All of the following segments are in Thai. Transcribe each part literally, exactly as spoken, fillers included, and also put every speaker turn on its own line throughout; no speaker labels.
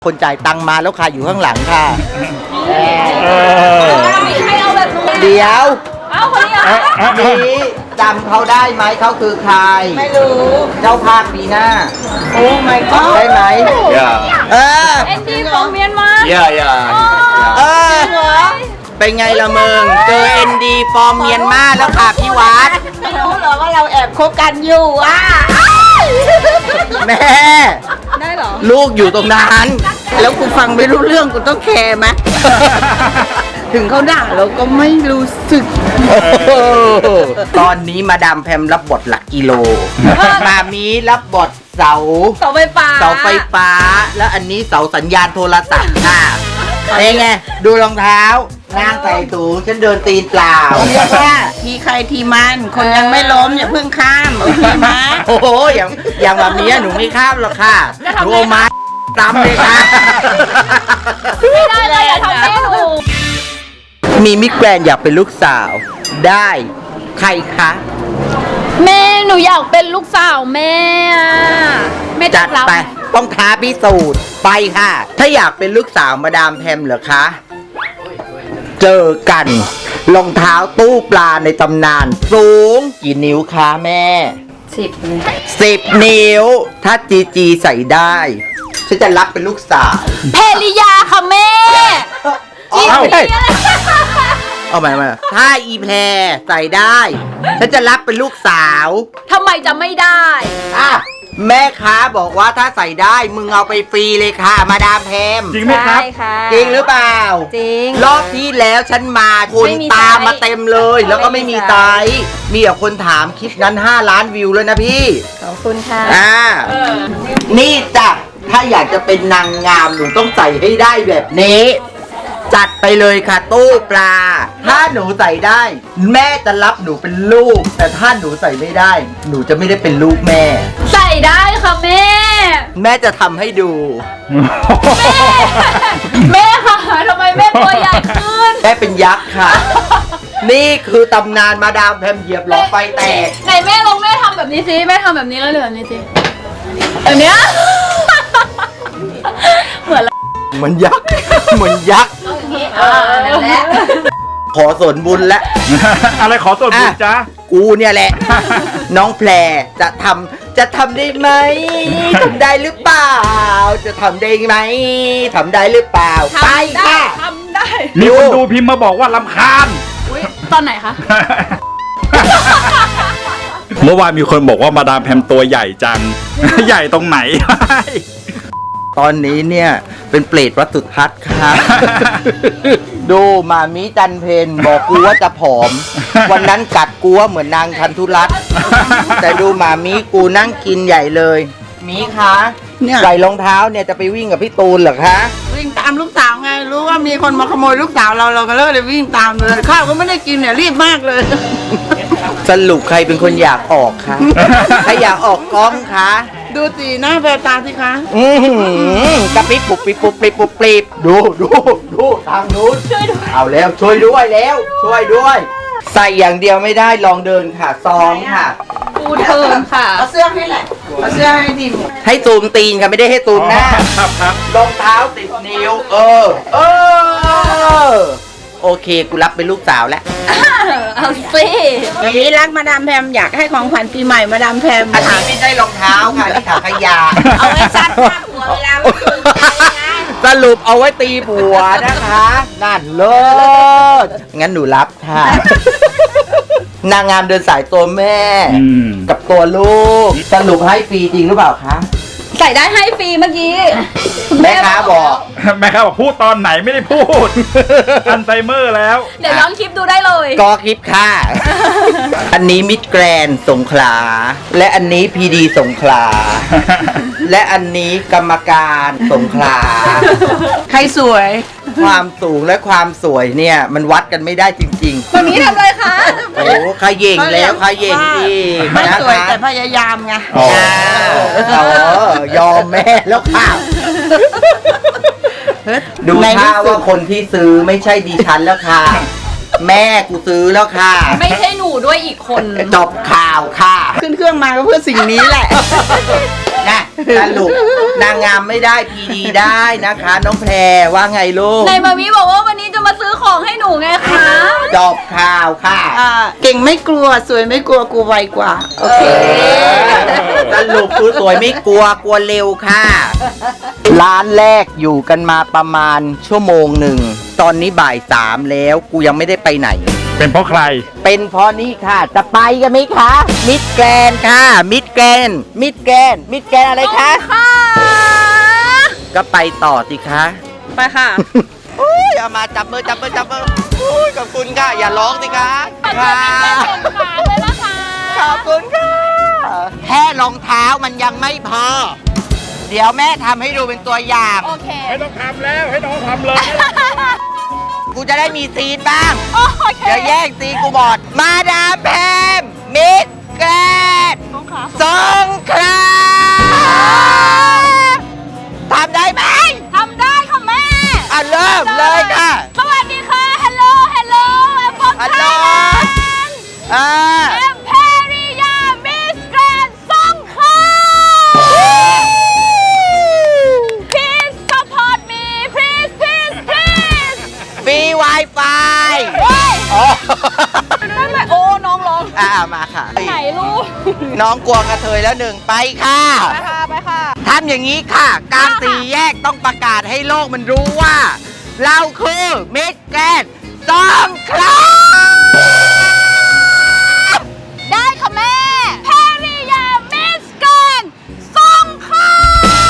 คนจ่ายตังค์มาแล้วค่ะอยู่ข้างหลังค่ะ
ให้เอาแบบนู้น
เดี๋ยว
เอาคนนี้อ่ะ
นี้จำเขาได้ไหมเขาคือใคร
ไม่รู้
เจ้าภาคปีหน้า
โอ้ my god
ได้ไหม
Yeah
เออ
เอ็นดีของเมียนมา
Yeah yeah
เออเป็นไงละมึงเจอเอ็นดีฟอร์มเมียนมาแล้วค่ะพี่วัด
ไม่รู้เหรอว่าเราแอบคบกันอยู่อ่ะ
แม่
ได้เหรอ
ลูกอยู่ตรงนั้นแล้วกูฟังไม่รู้เรื่องกูต้องแคร์ไหมถึงเขาด่าเราก็ไม่รู้สึกตอนนี้มาดามแพมรับบทหลักกิโลมามีรับบทเสา
เสาไฟฟ้า
เสาไฟฟ้าแล้วอันนี้เสาสัญญาณโทรศัพท์ค่ะเป็นไงดูรองเท้านางใส่ตูฉันเดินตีนเปล่าเรียกว่าทีใครทีมันคนยังไม่ล้มอย่าเพิ่งข้ามโอเคไหมโอ้โหอย่างอย่างแบบนี้หนูไม่ข้ามหรอกค่ะหนูเอาไม้ตามเลยค่ะ
ไม่ได้เลยอย่าทำแม่หนู
มีมิตรแกรนอยากเป็นลูกสาวได้ใครคะ
แม่หนูอยากเป็นลูกสาวแม่แม่
จัดไปต้องท้าพิสูจน์ไปค่ะ ถ้าอยากเป็นลูกสาวมาดามแพมเหรอคะเจอกันรองเท้าตู้ปลาในตำนานสูงกี่นิ้วคะแม่
สิบ
สิบนิ้วถ้าจีจีใส่ได้ฉันจะรับเป็นลูกสาว
เพลิยาค่ะแม่
อีเพเอาใหม่มาถ้าอีแพรใส่ได้ฉันจะรับเป็นลูกสาว
ทำไมจะไม่ได้
อ่ะแม่ค้าบอกว่าถ้าใส่ได้มึงเอาไปฟรีเลยค่ะมาดามแพม
จริงไหมครับ
จริงหรือเปล่า
จริง
รอบที่แล้วฉันมาคนตามมาเต็มเลยแล้วก็ไม่มีไซส์มีแต่คนถามคลิปนั้นห้าล้านวิวเลยนะพี่
ขอบคุณค่ะ
อ่านี่จ้ะถ้าอยากจะเป็นนางงามหนูต้องใส่ให้ได้แบบนี้จัดไปเลยค่ะตู้ปลาถ้าหนูใส่ได้แม่จะรับหนูเป็นลูกแต่ถ้าหนูใส่ไม่ได้หนูจะไม่ได้เป็นลูกแม่
ใส่ได้ค่ะแม่
แม่จะทำให้ดู
แม่ค่ะทำไมแม่ตัวใหญ่ขึ้น
แม่เป็นยักษ์ค่ะนี่คือตำนานมาดามแพมเหยียบหลอดไฟแตก
ไหนแม่ลองแม่ทำแบบนี้สิแม่ทำแบบนี้แล้วเหลือแบบนี้สิแบบเนี้ยเหมือน
เหมือนยักษ์เหมือนยักษ์ขอส่วนบุญและ
อะไรขอส่วนบุญจ้า
กูเนี่ยแหละน้องแพรจะทำจะทำได้ไหมทำได้หรือเปล่าจะทำได้ไหมทำได้หรือเปล่าไปค่ะ
ทำได้
มีคนดูพิมพ์มาบอกว่ารำคาญ
ตอนไหนคะ
เมื่อวานมีคนบอกว่ามาดามแพมตัวใหญ่จังใหญ่ตรงไหน
ตอนนี้เนี่ยเป็นเปรตวัดสุทัศน์ครับดูมามิจันเพนบอกกูว่าจะผอมวันนั้นกัดกูว่าเหมือนนางคันธุรัตน์แต่ดูมามิกูนั่งกินใหญ่เลยมีคะใส่รองเท้าเนี่ยจะไปวิ่งกับพี่ตูนเหรอคะ
วิ่งตามลูกสาวไงรู้ว่ามีคนมาขโมยลูกสาวเราเราก็เลยวิ่งตามเลยข้าวก็ไม่ได้กินเนี่ยรีบมากเลย
สรุปใครเป็นคนอยากออกคะใครอยากออกกล้องคะ
ดูสีหน้าแววตาสิคะ
อือกระปิบปุบปิบปุบปิบปุบปิบดูดูดูทางนู้นช่วยด้วยเอาแล้วช่วยด้วยแล้วช่วยด้วยใส่อย่างเดียวไม่ได้ลองเดินค่ะซองค่ะ
ปูเทิร์นค่ะ
เอาเสื้อให้แหละเอาเสื้อให้ดิม
ให้ตูมตีนค่ะไม่ได้ให้ตูมหน้ารองเท้าติดนิ้วเออเออโอเคกูรับเป็นลูกสาวแล้ว
เอาสิ
วันนี้รักมาดามแพมอยากให้ของขวัญปีใหม่มาดามแพม
อันนี้ไม่ใช่รองเท้าค่ะนี่ถังขยะ
เอาไว้ซัดผ้าผัวเวลา
สรุปเอาไว้ตีผัวนะคะนั่นเลิศงั้นหนูรับค่ะนางงามเดินสายตัวแม่กับตัวลูกสรุปให้ฟรีจริงหรือเปล่าคะ
ใส่ได้ให้ฟรีเมื่อกี้
แม่ค้าบอก
แม่ค้าบอกพูดตอนไหนไม่ได้พูดอัลไซเมอร์แล้ว
เดี๋ยวย้อนคลิปดูได้เลย
ก็คลิปค่ะอันนี้มิตรแกรนสงขลาและอันนี้พีดีสงขลาและอันนี้กรรมการสงขลา
ใครสวย
ความสูงและความสวยเนี่ยมันวัดกันไม่ได้จริง
ๆวันนี้ทำอะไรคะ
โอ้ขย่งแล้วขย่งอีก
ไม่สวยแต่พยายามไง
ยอมแม่แล้วค่ะดูท่าว่าคนที่ซื้อไม่ใช่ดิฉันแล้วค่ะแม่กูซื้อแล้วค่ะ
ไม่ใช่หนูด้วยอีกคน
จบข่าวค่ะ
ขึ้นเครื่องมาก็เพื่อสิ่งนี้แหละ
นะสรุปนางงามไม่ได้พีดีได้นะคะ น้องแพรว่าไงลูก
ในมามีบอกว่าวันนี้จะมาซื้อของให้หนูไงคะ
จบข่าวค่ะ
อ่าเก่งไม่กลัวสวยไม่กลัวกูไวกว่า โอเค
สรุปคือสวยไม่กลัวกลัวเร็วค่ะ ร้านแรกอยู่กันมาประมาณชั่วโมงหนึ่ง ตอนนี้บ่ายสามแล้วกูยังไม่ได้ไปไหน
เป็นเพราะใคร
เป็นเพราะนี่ค่ะ จะไปกันไหมคะ มิดแกรนด์ค่ะ มิดแกรนด์มิดแกรนด์มิดแกรนด์อะไรคะ
ค่ะ
ก็ไปต่อสิคะ
ไปค่ะ
อุ้ยเอามาจับมือจับมือจับมืออุ้ยขอบคุณค่ะ อย่าร้องสิคะค่ะ
ขาเลยนะคะ
ขอบคุณค่ะ แค่รองเท้ามันยังไม่พอ เดี๋ยวแม่ทำให้ดูเป็นตัวอย่าง
โอเค
ไม่ต้องทำแล้วให้น้องทำเลย
กูจะได้มีซีนบ้าง
โอเค
อย่าแย่งซีนกูบอด มาดามแพมมิดแกรนด์สงขลาทำได้ไหม
ทำได้ค่ะแม่
อ่ะเริ่มเลยค่ะ
สวัสดีค่ะ ฮัลโหล ฮัลโหลแอมพอ
ฮัลโหลอ่า
แอมเพริยา มิสแกรนด์สงขลา Please support me please please please
ฟรี Wi-Fi
เฮ้ย
อ๋อ
นั่นแหละโอ้ น้องร้อง
อ่ามาค่ะ
ไหนลูก
น้องกลัวกระเทยแล้วหนึ่งไปค่ะ
ไปค่ะ ไปค่ะ
ทำอย่างนี้ค่ะกลางสี่แยกต้องประกาศให้โลกมันรู้ว่า เราคือมิสแกรนด์สงขลา
ได้ค่ะแม่เพริยา มิสแกรนด์สงขลา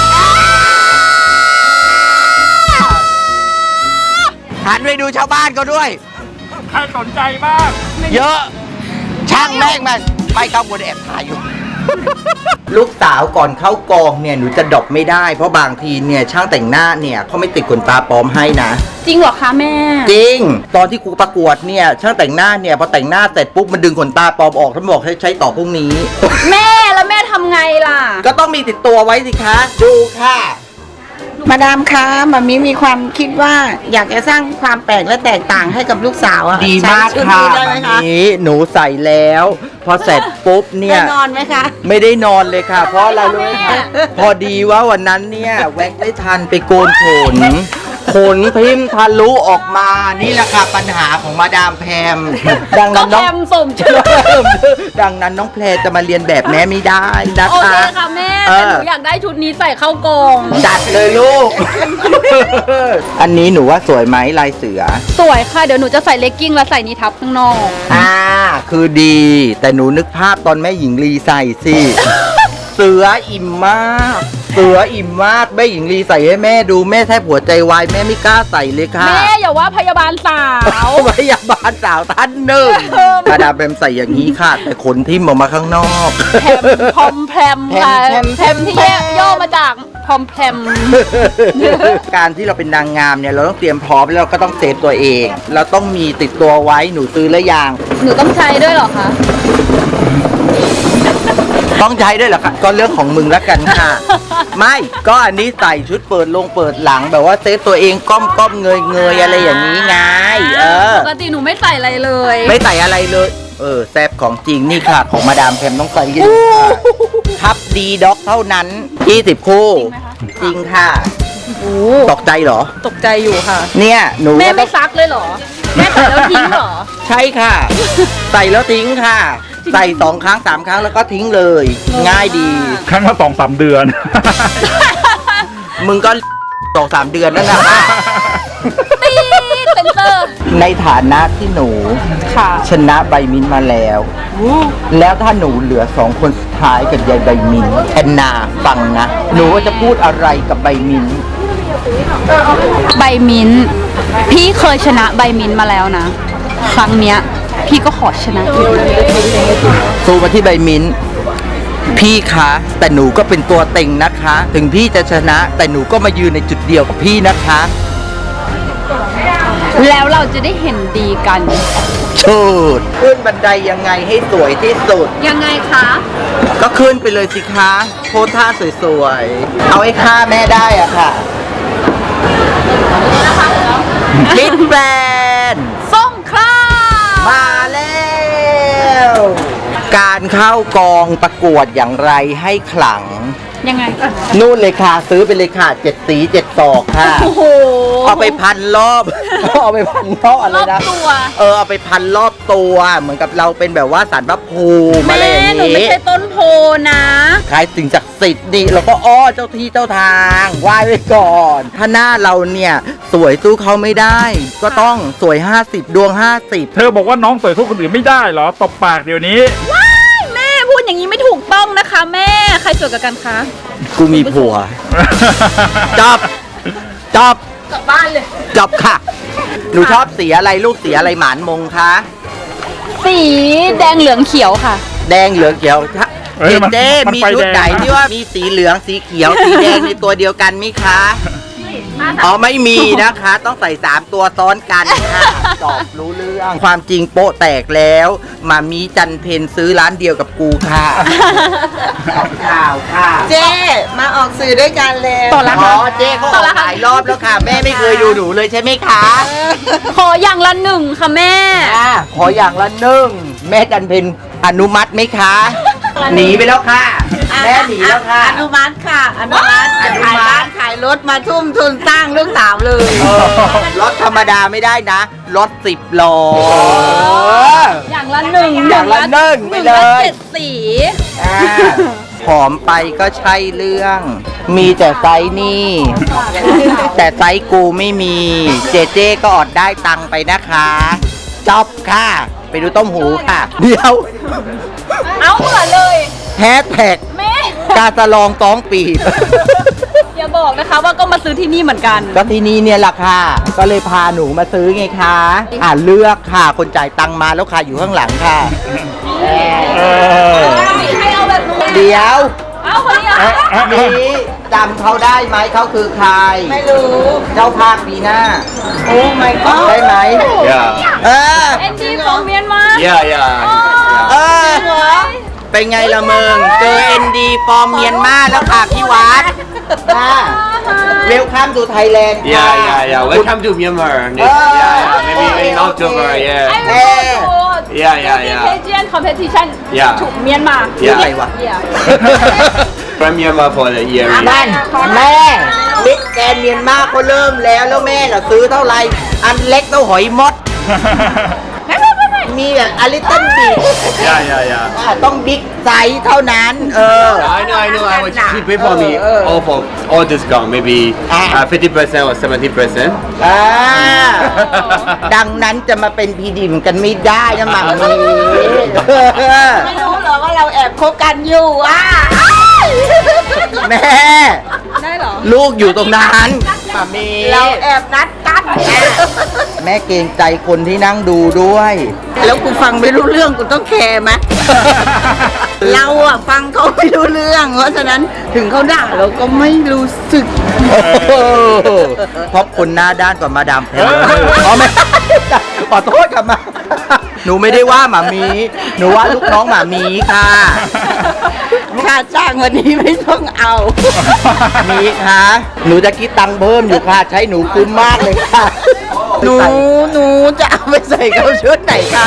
หันไปดูชาวบ้านเขาด้วย
ใครสนใจบ้าง
เยอะ ช่างแม่งมันไม่เข้าบนแอบถ่ายอยู่ ลูกสาวก่อนเข้ากองเนี่ยหนูจะดรอปไม่ได้เพราะบางทีเนี่ยช่างแต่งหน้าเนี่ยเขาไม่ติดขนตาปลอมให้นะ
จริงเหรอคะแม่
จริง ตอนที่ครูประกวดเนี่ยช่างแต่งหน้าเนี่ยพอแต่งหน้าเสร็จปุ๊บมันดึงขนตาปลอมออกท่านบอกให้ใช้ต่อพรุ่งนี้
แม่แล้วแม่ทำไงล่ะ
ก็ต้องมีติดตัวไว้สิคะ ดูค่ะ
มาดามคะมามิมีความคิดว่าอยากจะสร้างความแปลกและแตกต่างให้กับลูกสาวอะ
ดีมาก
ใช้ชุด
ค่ะ
นี้ได้ไหม
วัน
คะ
นี้หนูใส่แล้ว พอเสร็จปุ๊บเนี่
ได้
ย
นอนไหมคะ
ไม่ได้นอนเลยค่ะ เพราะอะไรรู้ไหม
แม่
คะพอดีว่าวันนั้นเนี่ยแว็กไม่ทันไปโกนขนขนพิมพ์ทะลุออกมานี่แหละค่ะปัญหาของมาดามแพม ดัง
ก็
นั้น
แพ
น้อง
มสมชื่อ
ดังนั้นน้องแพรจะมาเรียนแบบแม่ไม่ได้นะ
โอเค
คะ
ค่ะแม่
เอ
แต่
อ
หนูอยากได้ชุดนี้ใส่เข้ากอง
จัดเลยลูก อันนี้หนูว่าสวยไหมลายเสือ
สวยค่ะ เดี๋ยวหนูจะใส่เลกกิ้งแล้วใส่นี้ทับข้างนอก
อ่า คือดี แต่หนูนึกภาพตอนแม่หญิงลีใส่สิ เสืออิ่มมาก เสืออิ่มมากแม่หญิงลีใส่ให้แม่ดูแม่แทบหัวใจวายแม่ไม่กล้าใส่เลยค่ะ
แม่อย่าว่าพยาบาลสาว
พยาบาลสาวท่านหนึ่งมาดามแพมใส่อย่างนี้ค่ะ แต่ขนทิ่มออกมาข้างนอก
แพมพอมแพมค่ะ
แพมแพม
แพมที่แยกย่อมาจากพอมแพม
การที่เราเป็นนางงามเนี่ยเราต้องเตรียมพร้อมแล้วเราก็ต้องเซฟตัวเอง เราต้องมีติดตัวไว้หนูซื้อแล้วยัง
หนูต้องใช้ด้วยเหรอคะ
ต้องใช้ด้วยเหรอคะก็เรื่องของมึงแล้วกันค่ะ ไม่ก็อันนี้ใส่ชุดเปิดลงเปิดหลังแบบว่าเซฟตัวเองก้มก้มเงยเงยอะไรอย่างนี้ไงเออ
ปกติหนูไม่ใส่อะไรเลย
ไม่ใส่อะไรเลย เออแซบของจริงนี่ค่ะ ของมาดามแพมต้องใส่กันทับดีด็อกเท่านั้นยี่สิบคู่ จริงค่ะ
โอ้
ตกใจเหรอ
ตกใจอยู่ค่ะ
เนี่ยหนู
แม่
ก็ต้
ไม่
อง
ซักเลยเหรอ แม่ใส่แล้วทิ้งเหรอ
ใช่ค่ะ ใส่แล้วทิ้งค่ะ ใส่สองครั้งสามครั้งแล้วก็ทิ้งเลย ง่ายดี
ครั้งละสองสามเดือน
มึงก็สองสามเดือนนั่นนะ
ตีเซนเตอร์
ในฐานะที่หนู
ค่ะ
ชนะใบมินมาแล้ว แล้วถ้าหนูเหลือสองคนสุดท้ายกับยายใบมินแอนนาฟังนะ หนูว่าจะพูดอะไรกับใบมิน
ใบมิ้นท์พี่เคยชนะใบมิ้นท์มาแล้วนะ ครั้งเนี้ย พี่ก็ขอชนะอีก
สู้มาที่ใบมินพี่คะแต่หนูก็เป็นตัวเต็งนะคะ ถึงพี่จะชนะ แต่หนูก็มายืนในจุดเดียวกับพี่นะคะ
แล้วเราจะได้เห็นดีกัน
ชูดขึ้นบันไดยังไงให้สวยที่สุด
ยังไงคะ
ก็ขึ้นไปเลยสิคะโพสท่าสวยๆ เอาให้ฆ่าแม่ได้อะค่ะมิดแบรนด์
ส่งครา
มาแล้ว การเข้ากองประกวดอย่างไรให้ขลัง
ยังไง
นู่นเลยค่ะซื้อไปเลยค่ะเจ็ดสีเจ็ดศอกค่ะ
โอ้โห
เอาไปพันรอบ เอาไปพันรอบอะไร
รอบ
นะ
ตัว
เออเอาไปพันรอบตัว เหมือนกับเราเป็นแบบว่าสารพระภูมิอะไร
แม่
อย่าง
หนูไม่
นี้
ใช่ต้นโพนะ
คล้ายสิ่งศักดิ์สิทธิ์นี่เราก็อ้อเจ้าที่เจ้าทางไหว้ไว้ก่อน ถ้าหน้าเราเนี่ยสวยสู้เขาไม่ได้ ก็ต้องสวย ห้าสิบ ดวง ห้าสิบ
เธอบอกว่าน้องสวยสู้คนอื่นไม่ได้เหรอตบปากเดี๋ยวนี้
ว้ายแม่พูดอย่างนี้ไม่ถูกต้องนะคะ แม่ใครสวยกว่ากันคะ
กูมีผัวจบจบ
กลับบ้านเลย
จบค่ะ หนูชอบสีอะไรลูกสีอะไรหมานมงคะ
สีแดงเหลืองเขียวค่ะ
แดงเหลืองเขียวถ้า
เอ้ย
เจ
มัน
เจ
มัน
มี
ไฟ
ชุด
แดง
ไหน
นะ
ที่ว่ามีสีเหลืองสีเขียว สีแดงในตัวเดียวกันไหมคะอ๋อไม่มีนะคะ ต้องใส่สามตัวซ้อนกันค่ะจบรู้เรื่อง ความจริงโป๊ะแตกแล้วมามีจันเพนซื้อร้านเดียวกับกูค่ะข่าวค่ะ
เจ๊มาออกสื่อด้วยกันเลย
ต่อละ
อ๋อเจ๊เขาออกหลายรอบแล้วค่ะ แม่ไม่เคยดูหนูเลยใช่ไหมคะ
ขออย่างละหนึ่งค่ะแม่
อ่ะขออย่างละหนึ่งแม่จันเพนอนุมัติไหมคะ หนีไปแล้วค่ะ แม่หนีแล้วค่ะ
อนุมัติค่ะ อนุมัติ
อนุ
ขาย
มั
บ้า
ติ
นขายรถมาทุ่มทุนสร้างลูกสาวเลย
เออรถธรรมดาไม่ได้นะ รถสิบล้อ
อย่างละหนึ่ง
อย่างละหนึ่งไปเลย
เจ็ดสี
อ่าผอมไปก็ใช่เรื่อง มีแต่ไซส์นี่ แต่ไซส์กูไม่มี เจเจก็อดได้ตังค์ไปนะคะจอบค่ะ ไปดูต้มหูค่ะ เดี๋ยว
เอาเหมือนเลย
แฮชแท็ก
แม่
กาสะลองต้องปีบ
อย่าบอกนะคะว่าก็มาซื้อที่นี่เหมือนกัน
ก็ที่นี่เนี่ยแหละค่ะ ก็เลยพาหนูมาซื้อไงคะ อ่าเลือกค่ะ คนจ่ายตังค์มาแล้วค่ะอยู่ข้างหลังค่ะ
เออ
ให้เอาแบบนู้น
เดี๋ยว
เอาคนนี้
เอ๊ะ
เอา
เอ๊ะเอ๊ะ
นี้จำเขาได้ไหมเขาคือใคร
ไม่รู้
เจ้าภาพปีหน้า
โอ้ my god
ได้ไหม
Yeah.
เออ
เอ็นดีของเมียนมา
Yeah, yeah.
เออ เป็นไงละมึง เจอเอ็นดีฟอร์มเมียนมาแล้วค่ะพี่วัดค่ะเวลคัมทูไทยแลนด์
Yeah, yeah, yeah. Welcome to Myanmar. Next,
Oh,
yeah, yeah. Maybe
okay,
in October.
okay.
Yeah.
I will go to
Yeah, yeah, yeah.
Asian competition
Yeah.
to Myanmar
เรื่องอะไรวะ
Yeah
From Myanmar for the year.
นั่นแม่บิ๊กแกนเมียนมาเขาเริ่มแล้วแล้วแม่น่ะซื้อเท่าไหร่ อันเล็กเท่าหอยมด มีแบบอลิตเติ้ลบี
Yeah, yeah, yeah.
ต้องบิ๊กไซส์เท่านั้น เออ
I know, I know. I was she pay for me all for all discount, maybe uh, fifty percent or seventy percent.
อ่า ดังนั้นจะมาเป็นพีดีเหมือนกันไม่ได้นะหมังมี
ไม่รู้เหรอว่าเราแอบคบกันอยู่อ่ะ
แม่
ได้เหรอ
ลูกอยู่ตรงนั้นหมามี
เราแอบนัดกัน
แม่เกรงใจคนที่นั่งดูด้วย
แล้วกูฟังไม่รู้เรื่องกูต้องแคร์ไหม เราอะฟังเขาไม่รู้เรื่อง เพราะฉะนั้นถึงเขาด่าเราก็ไม่รู้สึก
เพราะคนหน้าด้านกว่ามาดามแพมอ๋อไม่ ขอโทษกับมา หนูไม่ได้ว่าหมามี หนูว่าลูกน้องหมามีค่ะ
ค่าจ้างวันนี้ไม่ต้องเอา
มีค่ะ หนูจะคิดตังค์เพิ่มอยู่ค่ะ ใช้หนูคุ้มมากเลยค่ะ
หนูหนูจะเอาไปใส่เข้าชุดไหนคะ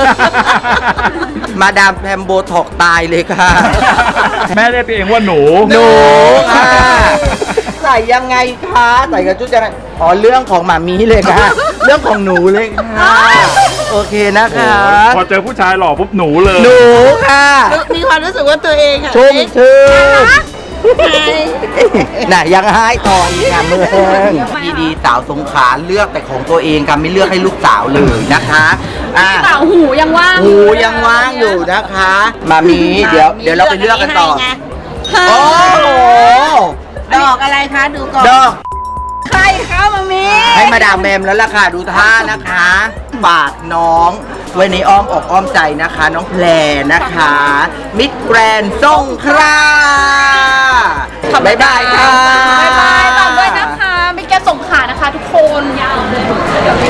มาดามแพมโบท็อกตายเลยค่ะ
แม่เรียกตัวเองว่าหนู
หนูค่ะ ใส่ยังไงคะใส่กับชุดยังไงอ๋อเรื่องของหมามีเลยค่ะ เรื่องของหนูเลยค่ะ โอเคนะคะ
พอเจอผู้ชายหล่อปุ๊บหนูเลย
หนูค่ะ
มีความรู้สึกว่าตัวเองอะ
ชุ่ม
เอ๊ะ
ชื่น
ใช่
น่ะยังให้ต่ออีกค่ะเมืองดีดีสาวสงขลาเลือกแต่ของตัวเองค่ะไม่เลือกให้ลูกสาวเลยนะคะอ่ะ
เปล่าหูยังว่าง
หูยังว่างอยู่นะคะ มามีเดี๋ยวเดี๋ยวเราไปเลือกกันต่อ
ให้ไง
โอ้โห
ดอกอะไรคะ ดูก่อน
ดอก
ใครคะมามี
ให้มาดามแมมแล้วล่ะค่ะดูท่านะคะฝากน้องไว้ในอ้อมอกอ้อมใจนะคะ น้องแพรนะคะ มิดแกรนด์สงขลาบ๊ายบายค่ะ
บ๊ายบายตามด้วยนะคะ ไม่แกส่งขานะคะทุกคน